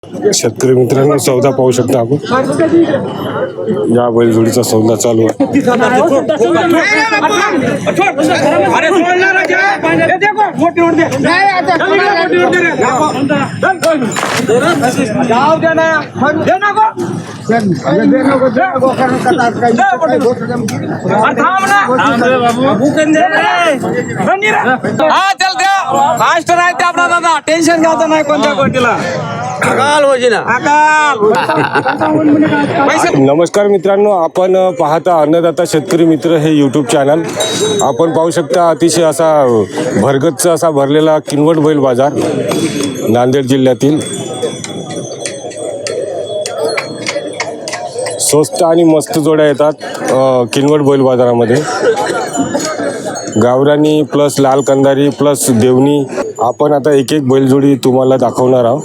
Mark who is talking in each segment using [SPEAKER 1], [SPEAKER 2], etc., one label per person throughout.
[SPEAKER 1] शेतकरी मित्रांनो, सौदा पाहू शकता आपण. या बैलजोडीचा सौदा चालू आहे.
[SPEAKER 2] फास्ट राहते आपला दादा, टेन्शन घ्यायचं नाही कोणत्या गोष्टीला.
[SPEAKER 1] नमस्कार मित्रांनो, आपण पाहता अन्नदाता शेतकरी मित्र हे यूट्यूब चॅनल. आपण पाहू शकता अतिशय असा भरगच्च असा भरलेला किनवट बैल बाजार नांदेड जिल्ह्यातील. स्वस्त आणि मस्त जोड्या येतात किनवट बैल बाजारामध्ये. गावरानी प्लस लाल कंदारी प्लस देवणी. आपण आता एक एक बैलजोडी तुम्हाला दाखवणार आहोत.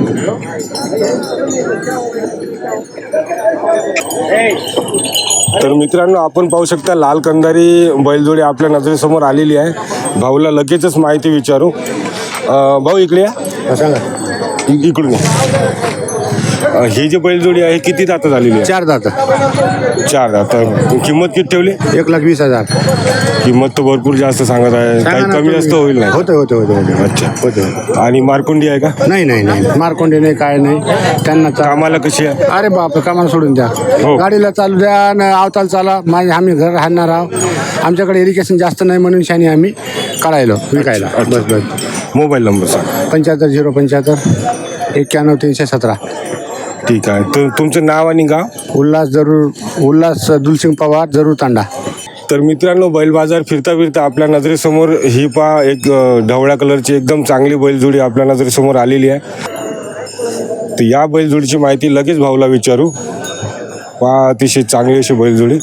[SPEAKER 1] तर मित्रांनो, आपण पाहू शकता लाल कंदारी बैलजोडी आपल्या नजरेसमोर आलेली आहे. भाऊला लगेचच माहिती विचारू. भाऊ इकडे या, सांगा इकडून या. ही जी बैलजोडी आहे किती दाता झालेली आहे?
[SPEAKER 3] 4 दात.
[SPEAKER 1] 4 दाता. किंमत किती ठेवली?
[SPEAKER 3] 1,20,000.
[SPEAKER 1] किंमत तर भरपूर जास्त सांगत आहे, काही कमी जास्त होईल नाही?
[SPEAKER 3] होते.
[SPEAKER 1] अच्छा.
[SPEAKER 3] होते.
[SPEAKER 1] आणि मारकुंडी आहे का?
[SPEAKER 3] नाही मारकोंडे नाही, काय नाही त्यांना.
[SPEAKER 1] कामाला कशी आहे?
[SPEAKER 3] अरे बाप, कामाला सोडून द्या.
[SPEAKER 1] हो.
[SPEAKER 3] गाडीला चालू द्या न अवताल चाला. आम्ही घर राहणार आहोत. आमच्याकडे इरिगेशन जास्त नाही म्हणून शानी आम्ही काढायलो विकायला. बस.
[SPEAKER 1] मोबाईल नंबर सांग.
[SPEAKER 3] 75 075 91 317.
[SPEAKER 1] ठीक आहे. तर तुमचं नाव आणि गाव?
[SPEAKER 3] उल्हास दुलसिंग पवार, जरूर तांडा.
[SPEAKER 1] तर मित्रांनो, बैल बाजार फिरता फिरता आपल्या नजरेसमोर ही पहा एक ढवळ्या कलरची एकदम चांगली बैलजोडी आपल्या नजरेसमोर आलेली आहे. तर या बैलजोडीची माहिती लगेच भाऊला विचारू. पहा अतिशय चांगली अशी बैलजोडी.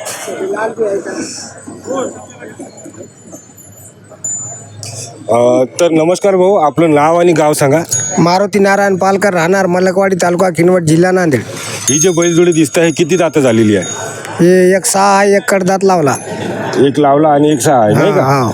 [SPEAKER 1] तर नमस्कार भाऊ, आपलं नाव आणि गाव सांगा.
[SPEAKER 4] मारुती नारायण पालकर, राहणार मलकवाडी, तालुका किनवट, जिल्हा नांदेड.
[SPEAKER 1] ही जी बैलजोडी दिसत आहे किती दाता झालेली आहे?
[SPEAKER 4] हे एक 6 आहे, एक कडदात लावला.
[SPEAKER 1] एक लावला आणि एक 6 आहे, नाही का?
[SPEAKER 4] हा.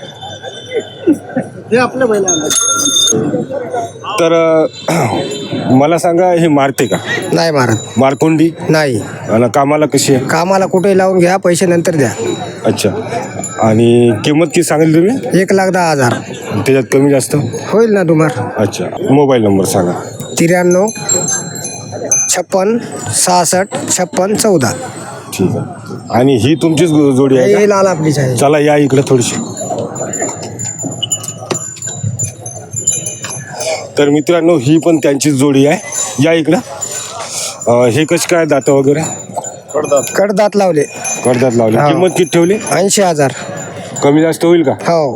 [SPEAKER 1] तर मला सांगा, हे मारते का?
[SPEAKER 4] नाही मारत.
[SPEAKER 1] मारकोंडी
[SPEAKER 4] नाही.
[SPEAKER 1] आणि कामाला कशी आहे?
[SPEAKER 4] कामाला कुठेही लावून घ्या, पैसे नंतर द्या.
[SPEAKER 1] अच्छा. आणि किंमत किती सांगितली तुम्ही?
[SPEAKER 4] 1,10,000.
[SPEAKER 1] त्याच्यात कमी जास्त
[SPEAKER 4] होईल ना तुम्हाला?
[SPEAKER 1] अच्छा. मोबाईल नंबर सांगा.
[SPEAKER 4] 93 56 66 56 14.
[SPEAKER 1] ठीक आहे. आणि ही तुमचीच जोडी आहे
[SPEAKER 4] हे
[SPEAKER 1] का?
[SPEAKER 4] लाल आपलीच आहे.
[SPEAKER 1] चला या इकडे थोडीशी. तर मित्रांनो, ही पण त्यांचीच जोडी आहे. या इकडं. हे कशी काय दातं वगैरे?
[SPEAKER 4] कडदात लावले.
[SPEAKER 1] कडदात लावले.
[SPEAKER 4] हा.
[SPEAKER 1] किंमत किती ठेवली?
[SPEAKER 4] 80,000.
[SPEAKER 1] कमी जास्त होईल का?
[SPEAKER 4] हो.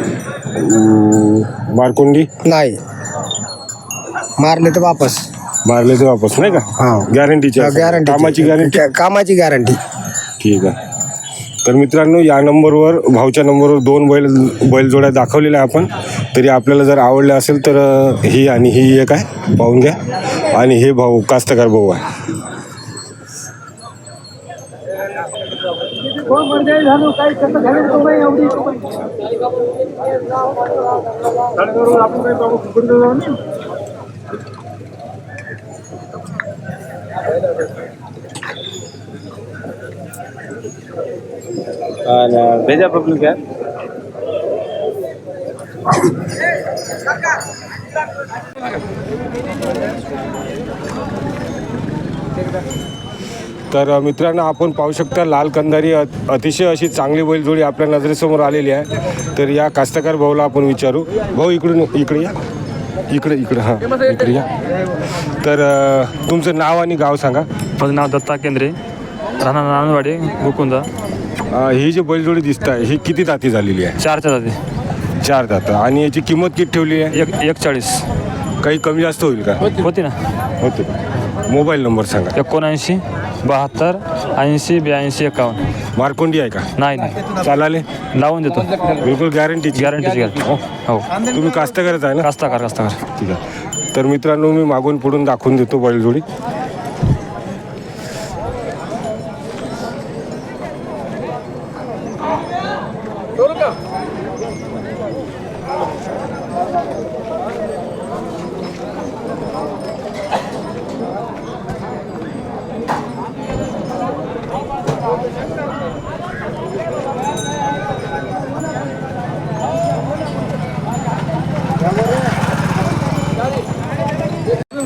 [SPEAKER 1] मारकोंडी
[SPEAKER 4] नाही मारले तर वापस.
[SPEAKER 1] मारले तर वापस, नाही का?
[SPEAKER 4] हा.
[SPEAKER 1] गॅरंटीची
[SPEAKER 4] गॅरंटी.
[SPEAKER 1] कामाची गॅरंटी.
[SPEAKER 4] कामाची गॅरंटी.
[SPEAKER 1] ठीक आहे. तर मित्रांनो, या नंबरवर, भाऊच्या नंबरवर 2 बैलजोड्या दाखवलेल्या आपण. तरी आपल्याला जर आवडल्या असेल तर ही आणि ही एक आहे, पाहून घ्या. आणि हे भाऊ कास्तकार भाऊ आहे. भेजा पब्लिक है. तर मित्रांनो, आपण पाहू शकता लाल कंदारी अतिशय अशी चांगली बैलजोडी आपल्या नजरेसमोर आलेली आहे. तर या कास्तकार भाऊला आपण विचारू. भाऊ इकडे या. इकडे हां, इकडे या. तर तुमचं नाव आणि गाव सांगा.
[SPEAKER 5] माझं नाव दत्ता केंद्रे, राहणार नांदवाडी, गोकुंदा.
[SPEAKER 1] ही जी बैलजोडी दिसत आहे ही किती दाती झालेली आहे?
[SPEAKER 5] 4 जाती.
[SPEAKER 1] 4 दात. आणि याची किंमत किती ठेवली आहे?
[SPEAKER 5] 1,40.
[SPEAKER 1] काही कमी जास्त होईल का?
[SPEAKER 5] होती ना.
[SPEAKER 1] होते. मोबाईल नंबर सांगा.
[SPEAKER 5] 79 72 80 82 51.
[SPEAKER 1] मारकोंडी आहे का?
[SPEAKER 5] नाही
[SPEAKER 1] चालाले
[SPEAKER 5] लावून देतो.
[SPEAKER 1] बिलकुल गॅरंटीची
[SPEAKER 5] गॅरंटी. हो.
[SPEAKER 1] तुम्ही कास्तकारच आहे ना?
[SPEAKER 5] कास्ताकार.
[SPEAKER 1] ठीक आहे. तर मित्रांनो, मी मागून पुढून दाखवून देतो बैलजोडी.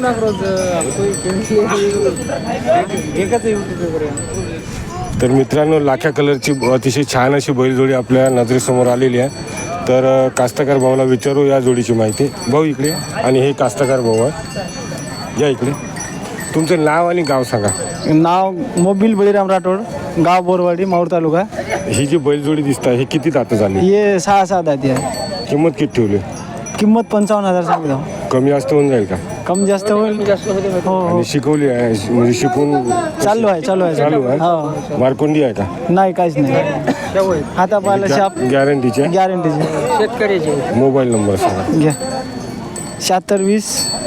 [SPEAKER 1] तर मित्रांनो, लाख्या कलरची अतिशय छान अशी बैलजोडी आपल्या नजरेसमोर आलेली आहे. तर कास्तकार भाऊला विचारू या जोडीची माहिती. भाऊ इकडे या. आणि हे कास्तकार भाऊ आहे, या इकडे. तुमचं नाव आणि गाव सांगा.
[SPEAKER 6] नाव मोबिल बळीराम राठोड, गाव बोरवाडी, माऊर तालुका.
[SPEAKER 1] ही जी बैलजोडी दिसत आहे, ही किती दात झाली?
[SPEAKER 6] हे 6 दाती आहे.
[SPEAKER 1] किंमत किती ठेवली?
[SPEAKER 6] किंमत 55,000 सांगितलं.
[SPEAKER 1] कमी जास्त होऊन जाईल का?
[SPEAKER 6] कमी जास्त होईल. हो हो,
[SPEAKER 1] आणि शिकवली आहे म्हणजे शिकून
[SPEAKER 6] चालू आहे
[SPEAKER 1] चालू आहे?
[SPEAKER 6] हो.
[SPEAKER 1] मारकोंडी आहे का?
[SPEAKER 6] नाही, काहीच नाही. हातापायला शाप
[SPEAKER 1] गॅरंटीचे?
[SPEAKER 6] गॅरंटीचे. शेतकऱ्याचे.
[SPEAKER 1] मोबाईल नंबर सांगा.
[SPEAKER 6] घ्या. 7620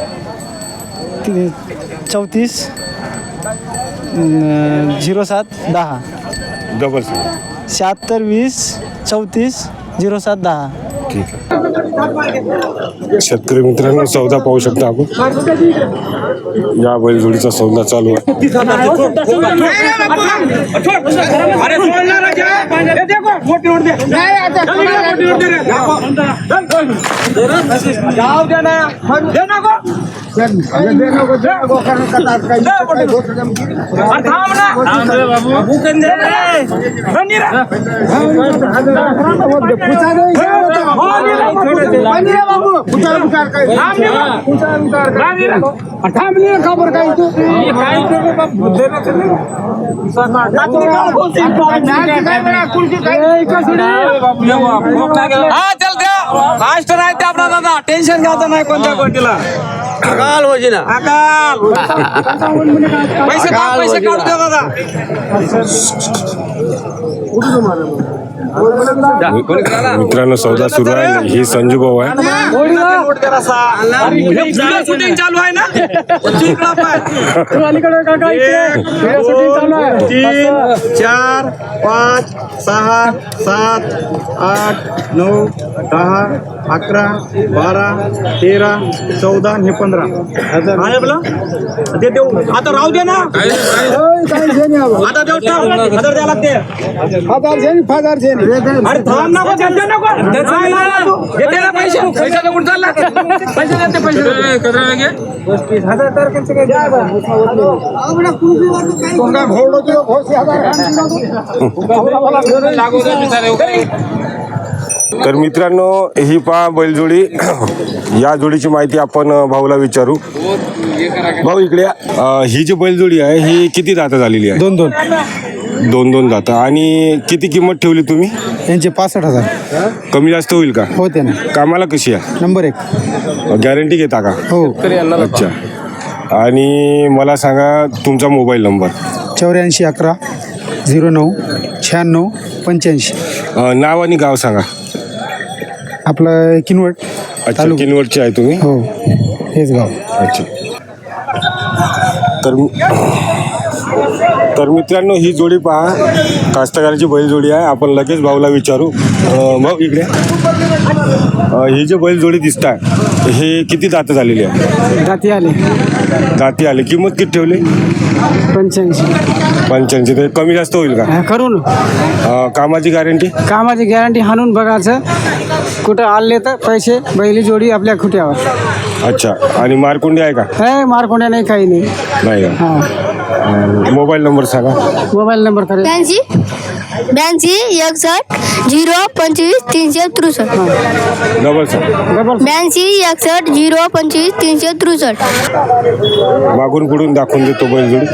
[SPEAKER 6] 34 0710.
[SPEAKER 1] डबल सांगा.
[SPEAKER 6] 7620 34 0710.
[SPEAKER 1] ठीक आहे. शेतकरी मित्रांनो, सौदा पाहू शकता आपण. या बैलजोडीचा सौदा चालू आहे.
[SPEAKER 2] चल द्या फास्ट राहते आपला दादा, टेन्शन घ्यायचं नाही कोणत्या गोष्टीला. अकाल होजी ना, अकाल. पैसे काढू द्या दादा.
[SPEAKER 1] मित्रांनो, सौदा सुरू आहे. ही संजू भाऊ आहे.
[SPEAKER 2] शूटिंग चालू आहे ना.
[SPEAKER 7] 3 4 5 6 7 8 9 10 11 12 13 14 आणि 15. ते देऊ आता, राहू दे ना. आता देऊ टाक. हजार द्या लागते. अरे थांब नको, देते नको. देते ना पैसे. पैशाला कुठं चालला? पैसे देते, पैसे
[SPEAKER 1] तर मित्रांनो, ही पहा बैलजोडी. या जोडीची माहिती आपण भाऊला विचारू. भाऊ इकडे या. ही जी बैलजोडी आहे, ही किती दाता झालेली आहे? 2 दाता. आणि किती किंमत ठेवली तुम्ही?
[SPEAKER 3] यांचे 65,000.
[SPEAKER 1] कमी जास्त होईल का?
[SPEAKER 3] होते ना.
[SPEAKER 1] कामाला कशी आहे?
[SPEAKER 3] नंबर 1.
[SPEAKER 1] गॅरंटी घेता का?
[SPEAKER 3] हो.
[SPEAKER 1] अच्छा. आणि मला सांगा तुमचा मोबाईल नंबर.
[SPEAKER 3] 84 11 09 96 85.
[SPEAKER 1] नाव आणि गाव सांगा.
[SPEAKER 3] आपलं किनवट.
[SPEAKER 1] अच्छा, किनवटचे आहे तुम्ही?
[SPEAKER 3] हो, हेच गाव.
[SPEAKER 1] अच्छा. तर मित्रांनो, ही जोडी पहा, कास्तकाराची बैलजोडी आहे. आपण लगेच भाऊला विचारू. भाऊ इकडे. ही जी बैलजोडी दिसत आहे, हे किती दात झालेली आहे? दाती आले. किंमत किती ठेवली? 85. ते कमी जास्त होईल का?
[SPEAKER 6] करून
[SPEAKER 1] कामाची गॅरंटी?
[SPEAKER 6] कामाची गॅरंटी हाणून बघायचं. कुठं आले तर पैसे, बैली जोडी आपल्या खुट्यावर.
[SPEAKER 1] अच्छा. आणि मारकुंडी आहे का?
[SPEAKER 6] हे मारकोंड्या नाही, काही नाही.
[SPEAKER 1] नाही का? मोबाईल नंबर सांगा.
[SPEAKER 6] मोबाईल नंबर करेल
[SPEAKER 8] 82 61 0 25 363.
[SPEAKER 1] डबल सांगा.
[SPEAKER 8] 82 61 0 25 363.
[SPEAKER 1] मागून पुढून दाखवून देतो बैलजोडी.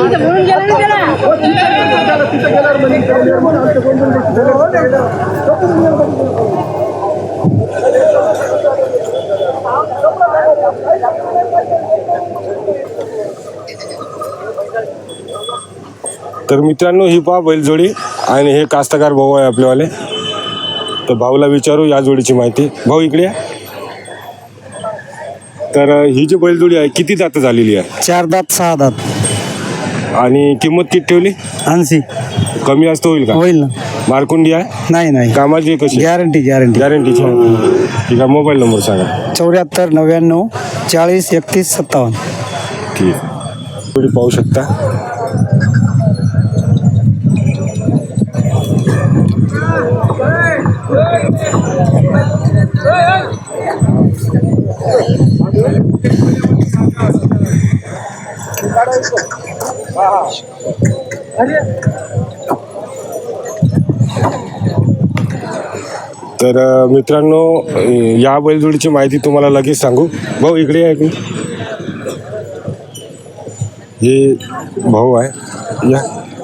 [SPEAKER 1] तर मित्रांनो, ही पहा बैलजोडी. आणि हे कास्तकार भाऊ आहे आपलेवाले. तर भाऊला विचारू या जोडीची माहिती. भाऊ इकडे या. तर ही जी बैलजोडी आहे, किती दात झालेली आहे?
[SPEAKER 6] 4 दात 6 दात.
[SPEAKER 1] आणि किंमत किती ठेवली?
[SPEAKER 6] 80.
[SPEAKER 1] कमी जास्त होईल का?
[SPEAKER 6] होईल ना.
[SPEAKER 1] मारकुंडी आहे?
[SPEAKER 6] नाही.
[SPEAKER 1] कामाची कशी?
[SPEAKER 6] गॅरंटीची.
[SPEAKER 1] गॅरंटीची. ठीक आहे. मोबाईल नंबर सांगा.
[SPEAKER 6] 74 99 40 31 57.
[SPEAKER 1] ठीक आहे. जोडी पाहू शकता. तर मित्रांनो, या बैलजोडीची माहिती तुम्हाला लगेच सांगू. भाऊ इकडे आहे की हे भाऊ आहे या.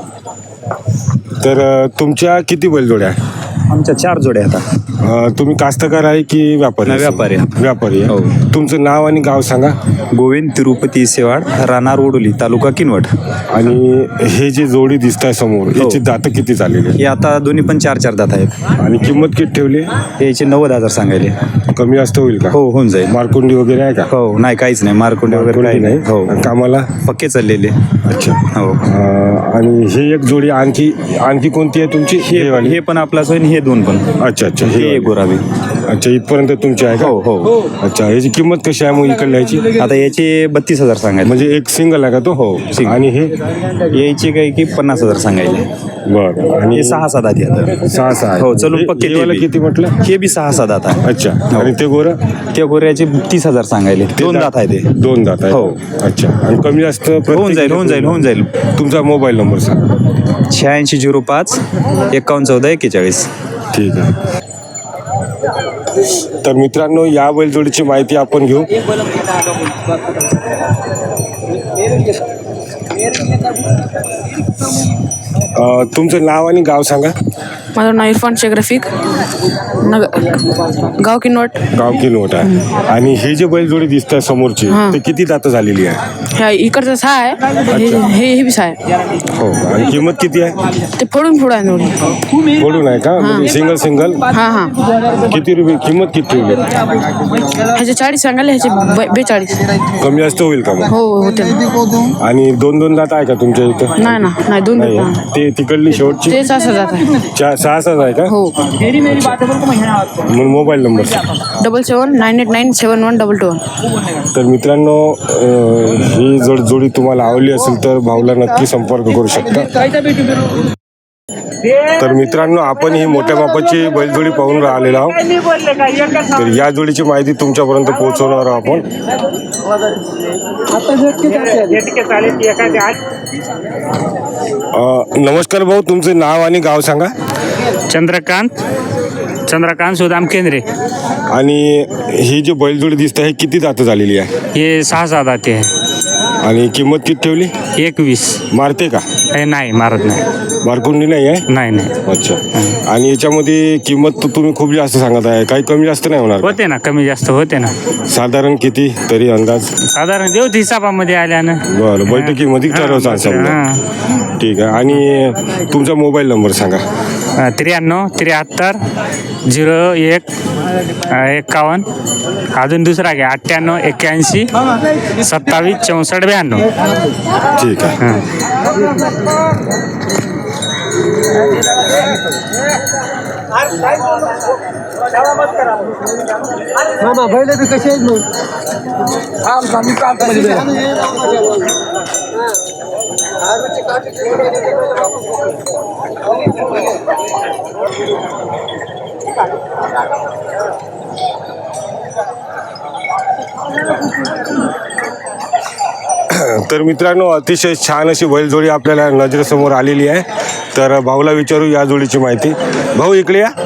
[SPEAKER 1] तर तुमच्या किती बैलजोड्या आहे?
[SPEAKER 5] आमच्या 4 जोड्या आता.
[SPEAKER 1] तुम्ही कास्तकार आहे की व्यापारी?
[SPEAKER 5] नाही, व्यापारी आहे.
[SPEAKER 1] व्यापारी आहे.
[SPEAKER 5] हो.
[SPEAKER 1] तुमचं नाव आणि गाव सांगा.
[SPEAKER 5] गोविंद तिरुपती सेवाड, राहणार ओडोली, तालुका किनवट.
[SPEAKER 1] आणि हे जे जोडी दिसत आहे समोर, याची दातं किती झालेली आहे?
[SPEAKER 5] हे आता दोन्ही पण 4 दात आहेत.
[SPEAKER 1] आणि किंमत किती ठेवली?
[SPEAKER 5] याचे 90,000 सांगायले.
[SPEAKER 1] कमी जास्त होईल का?
[SPEAKER 5] हो, होऊन जाईल.
[SPEAKER 1] मारकुंडी वगैरे आहे का?
[SPEAKER 5] हो, नाही काहीच नाही, मारकुंडे वगैरे काही नाही. हो,
[SPEAKER 1] कामाला
[SPEAKER 5] पक्के चाललेले.
[SPEAKER 1] अच्छा.
[SPEAKER 5] हो.
[SPEAKER 1] आणि हे एक जोडी आणखी कोणती आहे तुमची? हे वाली?
[SPEAKER 5] हे पण आपलाच होईल, हे 2 पण.
[SPEAKER 1] अच्छा अच्छा.
[SPEAKER 5] हे
[SPEAKER 1] हे
[SPEAKER 5] गोरावी.
[SPEAKER 1] अच्छा, इथपर्यंत तुमची आहे का?
[SPEAKER 5] हो हो.
[SPEAKER 1] अच्छा, याची किंमत कशी आहे मग इकडल्या याची?
[SPEAKER 5] आता याचे 32,000 सांगायले.
[SPEAKER 1] म्हणजे एक सिंगल आहे का तो?
[SPEAKER 5] हो, single.
[SPEAKER 1] आणि हे
[SPEAKER 5] यायचे काही की 50,000 सांगायले.
[SPEAKER 1] बरं. आणि
[SPEAKER 5] हे 6 दात आता.
[SPEAKER 1] 6 आहे.
[SPEAKER 5] हो, चलून पक्के ते बी.
[SPEAKER 1] किती म्हटलं?
[SPEAKER 5] हे बी 6 दात आहे.
[SPEAKER 1] अच्छा. आणि ते गोरं?
[SPEAKER 5] त्या गोऱ्याचे 30,000 सांगायले. 2 दात आहे ते.
[SPEAKER 1] 2 दात आहे.
[SPEAKER 5] हो.
[SPEAKER 1] अच्छा. आणि कमी जास्त
[SPEAKER 5] होऊन जाईल.
[SPEAKER 1] तुमचा मोबाईल नंबर सांगा.
[SPEAKER 5] 8605 5114 41.
[SPEAKER 1] ठीक आहे. तर मित्रांनो, या बैलजोडीची माहिती आपण घेऊ. तुमचं नाव आणि गाव सांगा.
[SPEAKER 9] माझं नाव इरफान शेख रफिक, गाव किनवट.
[SPEAKER 1] गाव किनवट आहे. आणि हे जे बैलजोडी दिसत आहे समोरची, ते किती दातं झालेली आहे?
[SPEAKER 9] ह्या इकडचं 6 आहे, हे बी 6 आहे.
[SPEAKER 1] हो. आणि किंमत किती आहे?
[SPEAKER 9] ते फोडून आहे थोडी.
[SPEAKER 1] फोडून आहे का? म्हणजे सिंगल?
[SPEAKER 9] हां.
[SPEAKER 1] किती रुपये किंमत किती ठेवली?
[SPEAKER 9] ह्याचे 40 सांगायले, ह्याचे 42.
[SPEAKER 1] कमी जास्त होईल का मग?
[SPEAKER 9] हो होते.
[SPEAKER 1] आणि 2 दात आहे का तुमच्या इथं?
[SPEAKER 9] नाही 2
[SPEAKER 1] नाही आहे. ते तिकडली शेवटची
[SPEAKER 9] ते 6 जात आहे.
[SPEAKER 1] 6 आहे का?
[SPEAKER 9] हो.
[SPEAKER 1] मग मोबाईल नंबर
[SPEAKER 9] 7798971122.
[SPEAKER 1] तर मित्रांनो, ही जोडी तुम्हाला आवडली असेल तर भाऊला नक्की संपर्क करू शकता. तर मित्रांनो, आपण ही मोठ्या मापाची बैलजोडी पाहून राहिलेलो आहोत. तर या जोडीची माहिती तुमच्यापर्यंत पोहोचवणार आहोत आपण. नमस्कार भाऊ, तुमचं नाव आणि गाव सांगा.
[SPEAKER 10] चंद्रकांत सुदाम केंद्रे.
[SPEAKER 1] आणि ही जी बैलजोडी दिसते हे किती दातं झालेली आहे?
[SPEAKER 10] हे 6 दाते आहे.
[SPEAKER 1] आणि किंमत किती ठेवली?
[SPEAKER 10] 21.
[SPEAKER 1] मारते का?
[SPEAKER 10] नाही, मारत नाही.
[SPEAKER 1] मारकुंडी नाही आहे?
[SPEAKER 10] नाही.
[SPEAKER 1] अच्छा. आणि याच्यामध्ये किंमत तर तुम्ही खूप जास्त सांगत आहे, काही कमी जास्त नाही होणार?
[SPEAKER 10] होते ना, कमी जास्त होते ना.
[SPEAKER 1] साधारण किती तरी अंदाज?
[SPEAKER 10] साधारण देऊ हिसाबामध्ये आल्यानं.
[SPEAKER 1] बरं, बैठकीमध्ये ठरवता समजा. ठीक आहे. आणि तुमचा मोबाईल नंबर सांगा.
[SPEAKER 10] 93 73 01 51. अजून दुसरा घ्या 98 81 27 64 92.
[SPEAKER 1] ठीक आहे.
[SPEAKER 6] मामा बैल बी कसे आहेत मग?
[SPEAKER 1] तर मित्रांनो, अतिशय छान अशी बैलजोडी आपल्याला नजरेसमोर आलेली आहे. तर भाऊला विचारू या जोडीची माहिती. भाऊ इकडे या.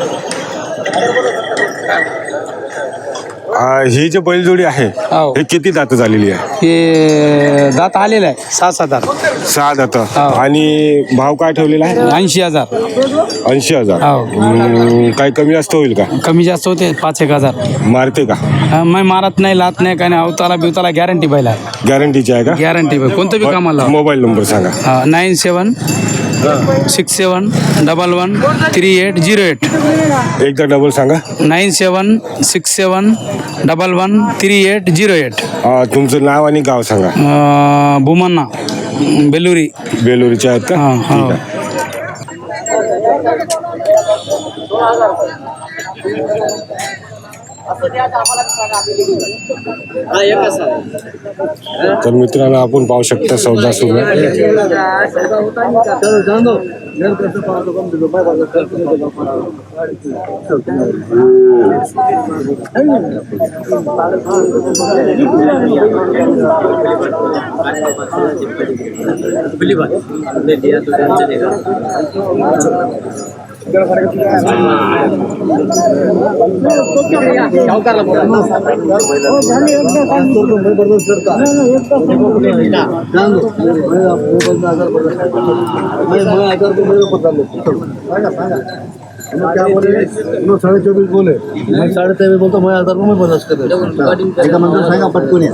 [SPEAKER 1] ही जी बैलजोडी आहे हे किती दात झालेली आहे?
[SPEAKER 6] हे दात आलेलं आहे 6 दात.
[SPEAKER 1] 6 दात. आणि भाव काय ठेवलेला आहे?
[SPEAKER 6] 80,000.
[SPEAKER 1] 80,000. काही कमी जास्त होईल का?
[SPEAKER 6] कमी जास्त होते 5-1,000.
[SPEAKER 1] मारते का?
[SPEAKER 6] मी मारत नाही, लात नाही, काय नाही. अवताला बिवताला गॅरंटी बैला.
[SPEAKER 1] गॅरंटीची आहे का?
[SPEAKER 6] गॅरंटी कोणतं बी कामाला.
[SPEAKER 1] मोबाईल नंबर सांगा.
[SPEAKER 6] 97 67 11 3808.
[SPEAKER 1] एकदा डबल सांगा.
[SPEAKER 6] 97 67 11 3808.
[SPEAKER 1] तुमचं नाव आणि गाव सांगा.
[SPEAKER 6] भूमन्ना बेलुरी.
[SPEAKER 1] बेलुरीचे आहेत का? ठीक आहे. तर मित्रांनो आपण पाहू शकता सौदा सुरू आहे.
[SPEAKER 3] ₹24.5 बोले, मैं 23.5 बोलता, मैं 1000 में बर्दाश्त कर एक मंदिर सांगा पटकून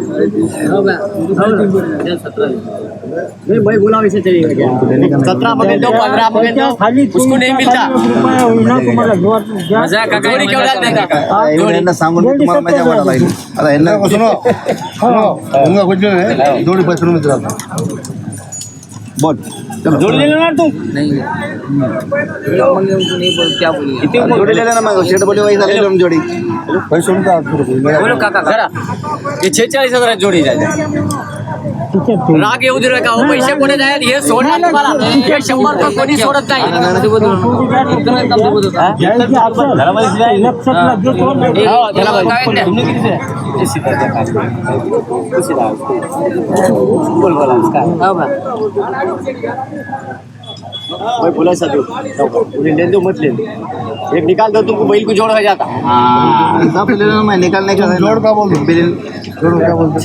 [SPEAKER 2] भाई बोला वैसे चलेगा क्या? 17 मगे दो, 15 मगे दो, उसको नहीं मिलता. मजाक का जोड़ी क्यों डाल देता?
[SPEAKER 3] सांगून तुम्हाला मजा वाटायला लागली. आता यांना सुनो कुछ नाही जोडी पैसे मित्र बोल
[SPEAKER 2] जोड़ी ले लेना तुम. नहीं क्या बोलिए?
[SPEAKER 3] जोडी ले लेना मग शेट बोले वैसा ले लो जोडी पैसे उनका
[SPEAKER 2] बोलो काका करा. ये 46,000 जोड़ी जाते. राग येऊ दे का हो, पैसे कोणी जाईल हे सोडणार तुम्हाला. हे 100 रुपये कोणी सोडत नाही. भाई बोला सा दो उन्हें ले दो मत ले दो. एक निकाल दो तुमको बैल को जोड़ हो जाता.
[SPEAKER 3] हिसाब से ले लेना मैं निकालने का जोड़ का बोल जोड़ क्या बोलते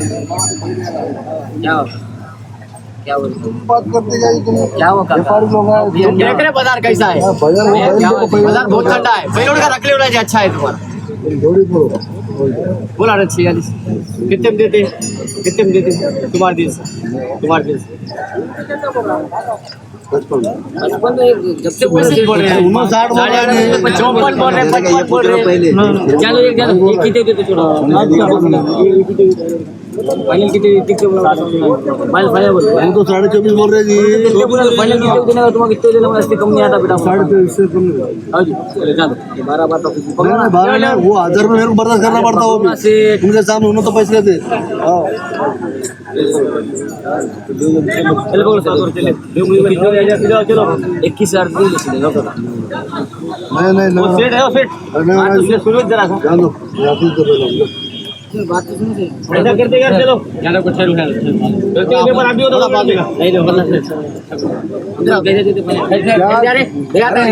[SPEAKER 2] 46 क्या बोलते
[SPEAKER 3] बात करते जाइए तुम
[SPEAKER 2] क्या हुआ
[SPEAKER 3] व्यापारी लोग हैं
[SPEAKER 2] देख रहे बाजार कैसा है. बाजार बहुत ठंडा है. बैलों का रख ले अच्छा है तुम्हारा.
[SPEAKER 3] जोड़ी बोलो
[SPEAKER 2] बोला रहे 46 कितने में देते तुम्हारे दिल से 55 तो जब से पैसे बोल रहे हैं
[SPEAKER 3] 59 बोल रहे हैं
[SPEAKER 2] 54 बोल रहे हैं 55 बोल रहे हैं. चलो एक कितने देते छोड़ो फाइनल कितने फाइनल बोल
[SPEAKER 3] हम तो 24.5 बोल रहे जी
[SPEAKER 2] फाइनल कितने देने का तुम्हारा कितने देने वाला कम नहीं आता बेटा
[SPEAKER 3] 23.5 से कम
[SPEAKER 2] हाँ जी 12 बात तो
[SPEAKER 3] 12 वो 1000 में मेरे को बर्दाश्त करना पड़ता वो भी तुमके सामने उन्होंने तो पैसे देते
[SPEAKER 2] चलो 21,000
[SPEAKER 3] नहीं
[SPEAKER 2] सुनो जरा सा
[SPEAKER 3] जान दो
[SPEAKER 2] बात तो सुनो ऐसा करते यार चलो ज्यादा कुछ पेपर अभी होता नहीं